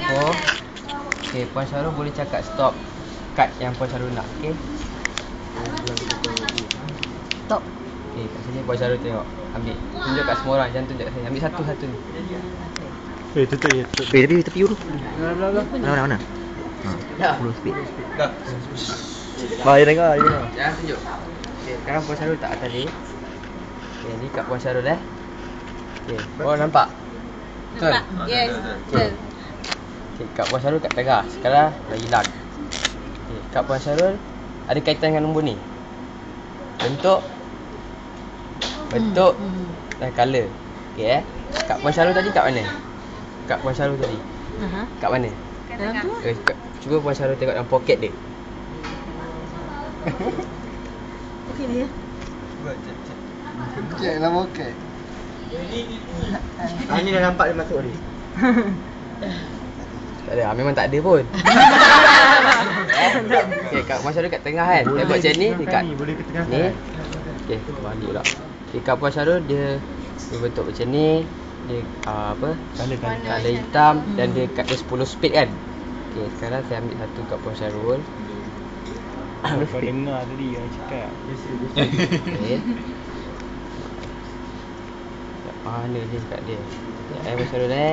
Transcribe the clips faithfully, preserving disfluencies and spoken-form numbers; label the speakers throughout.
Speaker 1: campur. Okay, Puan Syarul boleh cakap stop kad yang Puan Syarul nak. Okay.
Speaker 2: Stop.
Speaker 1: Okay, kat sini Puan Syarul tengok. Ambil. Tunjuk kat semua orang. Jangan tunjuk kat saya. Ambil satu-satu ni.
Speaker 3: Eh, tutup je. Tutup.
Speaker 4: Eh, tapi tepi dulu.
Speaker 3: Belah, belah,
Speaker 4: Mana, mana, mana? Ha,
Speaker 1: Dah.
Speaker 4: dulu speed.
Speaker 1: Dah.
Speaker 3: Ah, dia tengok, dia tengok.
Speaker 1: Jangan tunjuk. Okay, sekarang Puan Syarul tak atas ni. Okay, ni kat Puan Syarul eh. Okay, korang nampak? Betul?
Speaker 2: Nampak? Yes, betul.
Speaker 1: Okay, kat Puan Syarul kat tengah. Sekarang dah hilang. Okay, kat Puan Syarul ada kaitan dengan nombor ni. Bentuk, bentuk
Speaker 2: Hmm.
Speaker 1: dan colour. Okay eh. Kat Puan Syarul tadi kat mana? Kat Puan Syarul tadi.
Speaker 2: Aha.
Speaker 1: Kat mana?
Speaker 2: Dalam tu lah.
Speaker 1: Eh, kat, cuba Puan Syarul tengok dalam poket dia.
Speaker 2: Okey dia.
Speaker 3: Cek lah poket.
Speaker 4: Ah, ni dah nampak dia masuk ni.
Speaker 1: Tak ada, ah, memang tak ada pun. Okay, kat Puan Syarul kat tengah kan. Dia buat macam ni dekat
Speaker 3: Ni boleh ke tengah
Speaker 1: ni.
Speaker 3: kan?
Speaker 1: Okay, balik pula. Okay, kat Puan Syarul dia dia bentuk macam ni. Dia uh, apa?
Speaker 3: Colour, colour.
Speaker 1: Colour hitam dan dia kat dia sepuluh speed kan. Okay, sekarang saya ambil satu kat Puan Syarul.
Speaker 3: Kau dengar tadi yang cakap.
Speaker 1: Okay. Kat mana dia kat dia? Ya, Puan Syarul eh.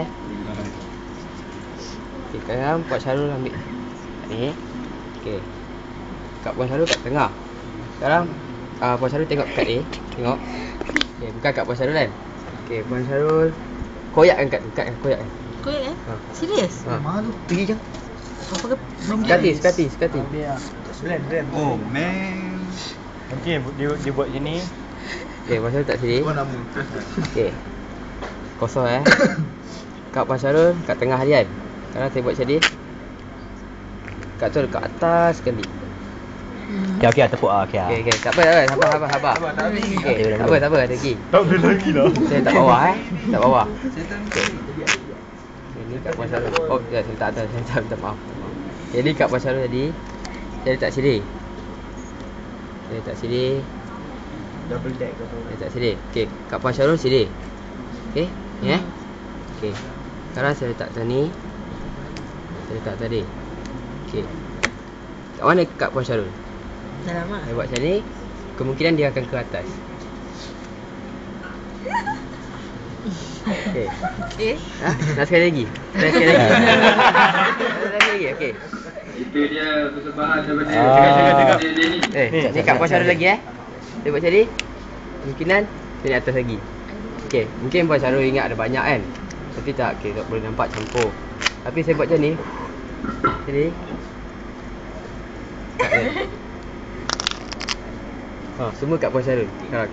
Speaker 1: Okay, sekarang Puan Syarul ambil ni. Okay. Kat Puan Syarul kat tengah. Sekarang uh, Puan Syarul tengok kat dia. Tengok. Okay, bukan kat Puan Syarul kan. Okay, Puan Syarul koyakkan kat tu, kat koyak kan.
Speaker 2: Koyak eh?
Speaker 1: Ha.
Speaker 2: Serius?
Speaker 1: Ha.
Speaker 4: Malu. Pergi je.
Speaker 2: Apa ke?
Speaker 1: Sekati, sekati, sekati.
Speaker 3: Blend, blend.
Speaker 5: Oh man.
Speaker 3: Nanti dia, dia buat macam ni.
Speaker 1: Okay, Puan Syarul tak sini.
Speaker 5: Apa nama?
Speaker 1: Okay. Kosong eh. Kat Puan Syarul kat tengah dia kan. Sekarang saya buat macam ni. Kat tu dekat atas sekali.
Speaker 4: Okey, okey, tepuk ah. Okey ah.
Speaker 1: Okay, okay. Tak apa, tak apa. Sabar, sabar, sabar. Okay, tak apa, tak apa. Ada lagi.
Speaker 3: Tak boleh lagi lah.
Speaker 1: Saya tak bawah eh. Tak bawah. Okay. Ini kat Puan Syarul. Oh, ya, saya tak atas. Saya tak, minta maaf. Okay, ni kat Puan Syarul tadi. Saya letak sini. Saya letak sini.
Speaker 3: Double deck ke
Speaker 1: Saya letak sini. Okay, kat Puan Syarul sini. Okay, ni eh. Okay. Sekarang saya letak sini. Saya letak tadi. Okay. Kat mana kat Puan Syarul?
Speaker 2: Dalam ah.
Speaker 1: Saya buat macam ni. Kemungkinan dia akan ke atas. Okay.
Speaker 2: Eh?
Speaker 1: Ha? Nak sekali lagi? Nak sekali lagi? Nak sekali lagi? Okay.
Speaker 5: Itu dia persembahan daripada
Speaker 3: Ah.
Speaker 5: cakap cakap cakap dia ni.
Speaker 1: Eh,
Speaker 3: Ni,
Speaker 1: ni kat Puan Syarul lagi eh. Dia buat macam ni. Kemungkinan dia naik atas lagi. Okay, mungkin Puan Syarul ingat ada banyak kan. Tapi tak, okay, tak boleh nampak campur. Tapi saya buat macam ni. Macam ni. Kat dia. Ha, semua kat Puan Syarul. Sekarang.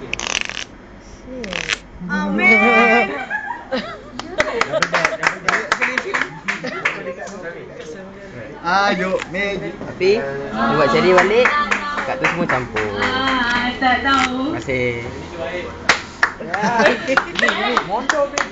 Speaker 2: Oh man.
Speaker 5: Ayo, Meg.
Speaker 1: Tapi dia buat macam ni balik. Kat tu semua campur.
Speaker 2: Ah, tak tahu.
Speaker 1: Terima kasih.